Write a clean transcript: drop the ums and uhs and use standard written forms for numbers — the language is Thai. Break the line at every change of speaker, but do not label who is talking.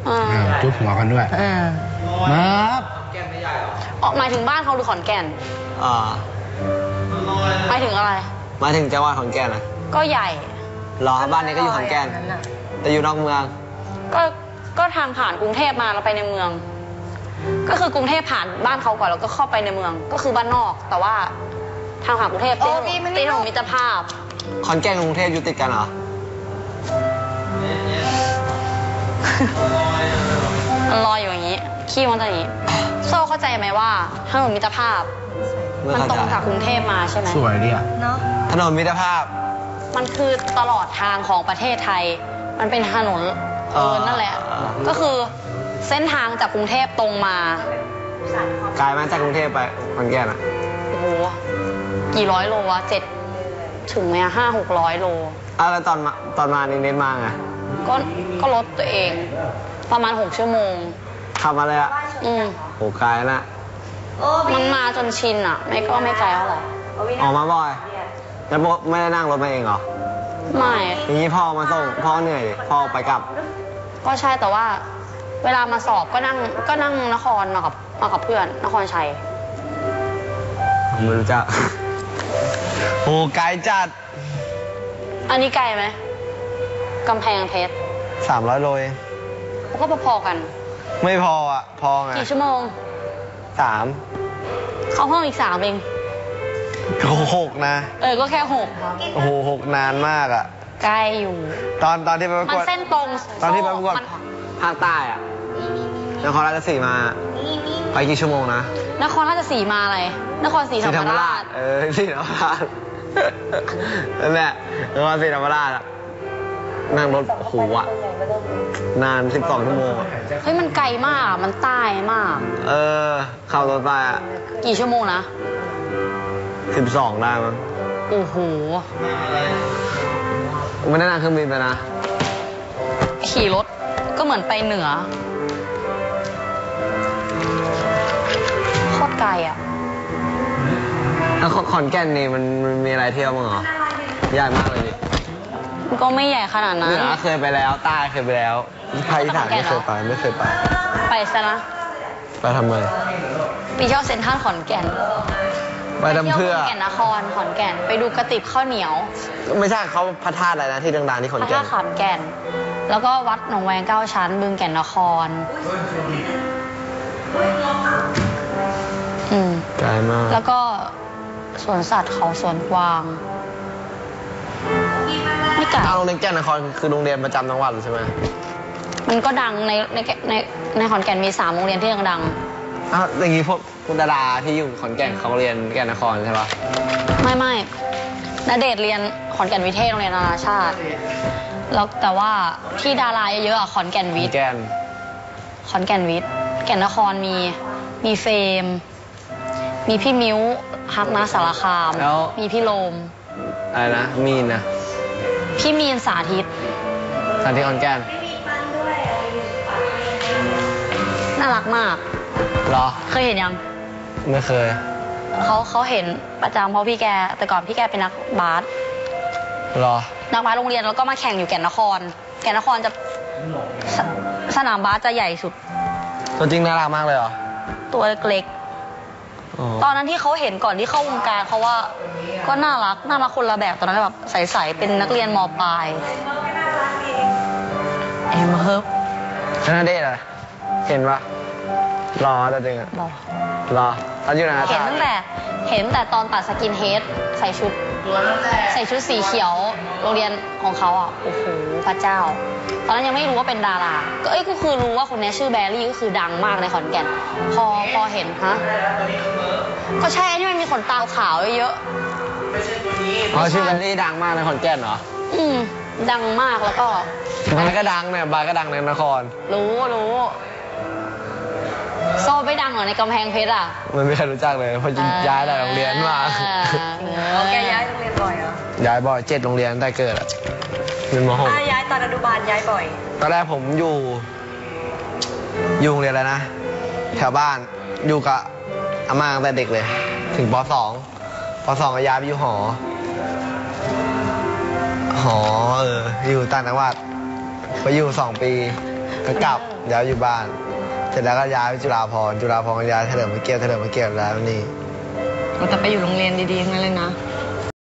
จุ๊บหัวกันด้วยครับ
ออกหมายถึงบ้านเขาหรือขอนแก่นหมายถึงอะไร
หมายถึงจังหวัดขอนแก่นนะ
ก็ใหญ่
หรอบ้านนี้ก็อยู่ขอนแก่นแต่อยู่นอกเมือง
ก็ทางผ่านกรุงเทพมาเราไปในเมือง ก็คือกรุงเทพผ่านบ้านเขาก่อนแล้วก็เข้าไปในเมืองก็คือบ้านนอกแต่ว่าทางผ่านกรุงเทพตีถนนมิตรภาพ
ขอนแก่นกรุงเทพอยู่ติดกันเหรอ
มันลอยอยู่อย่างนี้ขี้มันจะอย่างนี้โซ่เข้าใจไหมว่าถนนมิตรภาพมันตรงจากกรุงเทพมาใช่ไหม
สวยดีอ่ะ
เนาะ
ถนนมิตรภาพ
มันคือตลอดทางของประเทศไทยมันเป็นถนนนั่นแหละก็คือเส้นทางจากกรุงเทพตรงมา
ไกลไหมจากกรุงเทพไปขอนแก่นอ่ะ
โอ้โหกี่ร้อยโลวะ7ถึงไหม500-600 โล
แล้วตอนมานี่เน้นมาไง
ก็รถตัวเองประมาณ6 ชั่วโมง
ขับมาเลยอ่ะโหไกลนะ
มันมาจนชินอ่ะไม่ไกลเท่าไหร่
ออกมาบ่อยแล้วไม่ได้นั่งรถมาเองเหรอ
ไม่
อย่างนี้พ่อมาส่งพ่อเหนื่อยพ่อไปกลับ
ก็ใช่แต่ว่าเวลามาสอบก็นั่งนครมากับเพื่อนนครชัย
ไม่รู้จักโอ้ไกลจัด
อันนี้ไกลไหมกำแพงเพชร
300 โลเอง
ก็พอๆกัน
ไม่พออ่ะพอไง
กี่ชั่วโมง
3
เข้าห้องอีก3เอง
ก็6นะ
ก็แค่
6โอ้โห6นานมากอ่ะ
ไกลอยู่
ตอนที่ไปประกวด
มันเส้นตรง
ตอนที่ไปประกวดภาคใต้อ่ะนครราชสีมาไปกี่ชั่วโมงนะ
นครราชสีมาอะไรนครศรีธรรมราช
ศรีธรรมราชนั่นแหละนครศรีธรรมราชนั่งรถโหอ่ะนาน12 ชั่วโมง
เฮ้ยมันไกลมากมันใต้มาก
เข้ารถไปอ่ะ
กี่ชั่วโมงนะ
12ได้มั้ง
โอ้โห
ไม่ได้นั่งเครื่องบินไปนะ
ขี่รถก็เหมือนไปเหนือโคตรไกลอ่ะ
แล้วขอนแก่นนี่มันมีอะไรเที่ยวมั้งเหรอใหญ่มากเลยดิ
มันก็ไม่ใหญ่ขนาดนั้น
เหนือเคยไปแล้วใต้เคยไปแล้วภาคอีสานไม่เคยไป
ไปซะนะ
ไปทำไม
ไปเที่ยวเซ็นทรัลขอนแก่น
ไปทำเพื่อ
แก่นนครขอนแก่นไปดูกระติบข้าวเหนียว
ไม่ใช่เขาพระธาตุอะไรนะที่ดังๆที่ขอนแก่น
พระธาตุขอนแก่นแล้วก็วัดหนองแวง9 ชั้นบึงแก่นนคร
ไกลมาก
แล้วก็สวนสัตว์เขาสวนกวางไม่ไกล
โรงเรียนแก่นนครคือโรงเรียนประจำจังหวัดใช่ไหม
มันก็ดังในขอนแก่นมี3 โรงเรียนที่ดัง
อย่างนี้พวกดาราที่อยู่ขอนแก่นเขาเรียนแก่นนครใช่ปะ
ไม่ณเดชน์เรียนขอนแก่นวิเทศโรงเรียนนานาชาติแล้วแต่ว่าที่ดาราเยอะๆขอนแก่นวิทย์ขอนแก่นวิทย์แก่นนครมีเฟมมีพี่มิ้วฮักนะสารคามมีพี่โลม
อะไรนะมีนนะ
พี่มีนสาธิต
ขอนแก่น
น่ารักมาก
เหรอ
เคยเห็นยัง
ไม่เคย
เขาเห็นประจำเพราะพี่แกแต่ก่อนพี่แกเป็นนักบาส
เหรอ
นักบาสโรงเรียนแล้วก็มาแข่งอยู่แก่นนครจะสนามบาสจะใหญ่สุด
ตัวจริงน่ารักมากเลยเหรอ
ตัวเล็กตอนนั้นที่เขาเห็นก่อนที่เข้าวงการเขาว่าก็น่ารักคนละแบบตอนนั้นแบบใสๆเป็นนักเรียนม.ปลายมาเฮิร์บ
น่าเด็ดอะเห็นปะรอแต่จริงอะรอตอนอยู่ไหน
เห็นตั้งแต่ตอนตัดสกินเฮดใส่ชุดสีเขียวโรงเรียนของเขาอ่ะโอ้โหพระเจ้าตอนนั้นยังไม่รู้ว่าเป็นดาราก็คือรู้ว่าคนนี้ชื่อแบรี่ก็คือดังมากในขอนแก่นพอเห็นฮะก็ใช่ที่มันมีขนตาขาวเยอะ
ชื่อแบรี่ดังมากในขอนแก่นเหรอ
ดังมากแล้วก็
บาร์ก็ดังเนี่ยบาร์ก็ดังในนคร
รู้โซ่ไม่ดังเหรอในกำแพงเพชรอ่ะ
มันไม่เคยรู้จักเลยเพราะย้ายหลายโรงเรียนมา
แกย้ายโรงเรียนบ่อยเหรอ
ย้ายบ่อย7 โรงเรียนตั้งแต่เกิดอะเป็นม.6
ย้ายตอนอนุบาลย้ายบ่อย
ตอนแรกผมอยู่โรงเรียนอะไรนะแถวบ้านอยู่กับอาม่าตั้งแต่เด็กเลยถึงป.2 ก็ย้ายไปอยู่หออยู่ต่างจังหวัดไปอยู่2 ปีก็กลับย้ายอยู่บ้าน เสร็จแล้วก็ย้ายไปจุฬาภรณ์ก็ย้ายเฉลิมพระเกียรติแล้วนี่
เราจะไปอยู่โรงเรียนดีๆทั้งนั้นเลยนะ
ใ